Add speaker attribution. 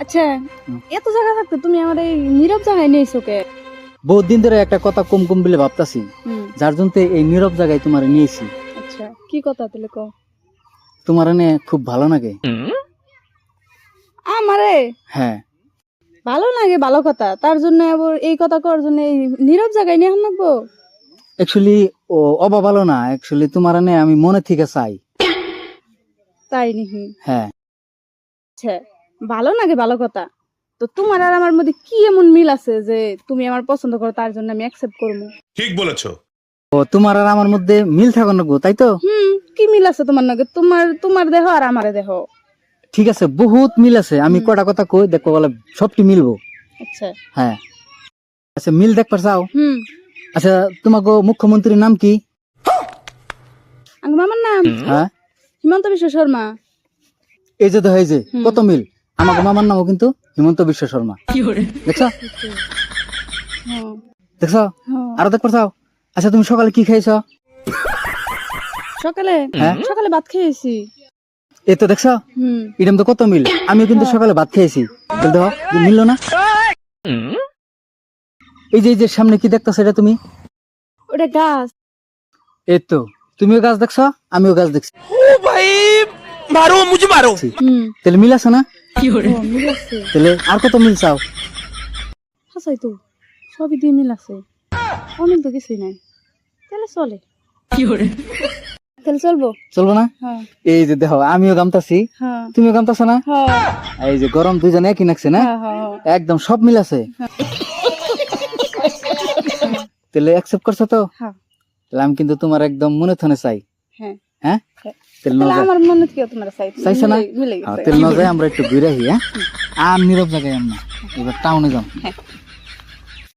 Speaker 1: আচ্ছা এত জায়গা থাকতে তুমি আমার এই নীরব জায়গায় নিয়েছো কে?
Speaker 2: বহুত দিন ধরে একটা কথা কম কম বলে ভাবতাছি,
Speaker 1: হুম,
Speaker 2: যার জন্য এই নীরব জায়গায় তোমার নিয়েছি।
Speaker 1: আচ্ছা কি কথা তাহলে কও?
Speaker 2: তোমার এনে খুব ভালো লাগে।
Speaker 1: আমারে
Speaker 2: হ্যাঁ,
Speaker 1: ভালো লাগে, ভালো কথা, তার জন্য আবার এই কথা করার জন্য এই নীরব জায়গায় নিয়ে আনবো?
Speaker 2: অ্যাকচুয়ালি ও অবা ভালো না, অ্যাকচুয়ালি তোমার এনে আমি মনে থেকে চাই।
Speaker 1: তাই নাকি?
Speaker 2: হ্যাঁ,
Speaker 1: আচ্ছা ভালো লাগে, ভালো কথা। তো তোমার আর আমার মধ্যে কি এমন মিল আছে যে তুমি আমার পছন্দ করো, তার জন্য আমি অ্যাকসেপ্ট করবো?
Speaker 3: ঠিক বলেছো।
Speaker 2: ও তোমার আর আমার মধ্যে মিল থাকার না গো, তাই তো?
Speaker 1: কি মিল আছে তোমার নাকি? তোমার তোমার দেহ আর আমারে দেহ।
Speaker 2: ঠিক আছে, বহুত মিল আছে। আমি কটা কথা কই দেখো, বলে সবটি মিলবো।
Speaker 1: আচ্ছা
Speaker 2: হ্যাঁ, আচ্ছা মিল দেখবার চাও?
Speaker 1: হুম,
Speaker 2: আচ্ছা তোমাকে মুখ্যমন্ত্রীর নাম কি?
Speaker 1: আমার মামার নাম
Speaker 2: হ্যাঁ,
Speaker 1: হিমন্ত বিশ্ব শর্মা।
Speaker 2: এই যে দেখো, এই যে কত মিল। আমাকে মামার নামও কিন্তু হিমন্ত বিশ্ব শর্মা। দেখছো
Speaker 1: হ্যাঁ,
Speaker 2: দেখছো?
Speaker 1: হ্যাঁ।
Speaker 2: আরো দেখবার চাও? আচ্ছা তুমি সকালে কি খাইছো?
Speaker 1: সকালে
Speaker 2: হ্যাঁ?
Speaker 1: সকালে ভাত খেয়েছি।
Speaker 2: এই তো দেখছো,
Speaker 1: হুম,
Speaker 2: এরকম তো কত মিল। আমিও কিন্তু সকালে ভাত খেয়েছি। দেখো মিললো না? এই যে সামনে কি দেখতো সেটা তুমি?
Speaker 1: ওটা গাছ।
Speaker 2: এই তো তুমিও গাছ দেখছো, আমিও গাছ দেখছি।
Speaker 3: मारो मुझे मारो।
Speaker 1: হুম,
Speaker 2: তাহলে মিল আছে না?
Speaker 1: ও, মিল আছে।
Speaker 2: তাহলে আর কত মিল চাও?
Speaker 1: হাসাই তো সবই দিয়ে মিল আছে, অমিল তো কিছুই নাই। তাহলে চলে, তাহলে চলবো।
Speaker 2: চলবো না?
Speaker 1: হ্যাঁ
Speaker 2: এই যে দেখো, আমিও গামতাছি,
Speaker 1: হ্যাঁ
Speaker 2: তুমিও গামতাছো না?
Speaker 1: হ্যাঁ
Speaker 2: এই যে গরম দুইজনে একই নাকছে না?
Speaker 1: হ্যাঁ হ্যাঁ
Speaker 2: একদম সব মিল আছে। তাহলে অ্যাকসেপ্ট করছো তো?
Speaker 1: হ্যাঁ
Speaker 2: তাহলে আমি কিন্তু তোমার একদম মনে থনে চাই।
Speaker 1: হ্যাঁ।
Speaker 2: হ্যাঁ,
Speaker 1: হ্যাঁ।
Speaker 2: তাহলে
Speaker 1: তাহলে
Speaker 2: ন যায়।
Speaker 1: আমার মনে কি তোমার
Speaker 2: চাইছো না?
Speaker 1: মিলে
Speaker 2: হ্যাঁ,
Speaker 1: গেছে।
Speaker 2: তাহলে ন যায় আমরা একটু ঘুরে আসি। হ্যাঁ, আর নীরব জায়গায় আমরা এবার টাউনে যাও।
Speaker 1: হ্যাঁ।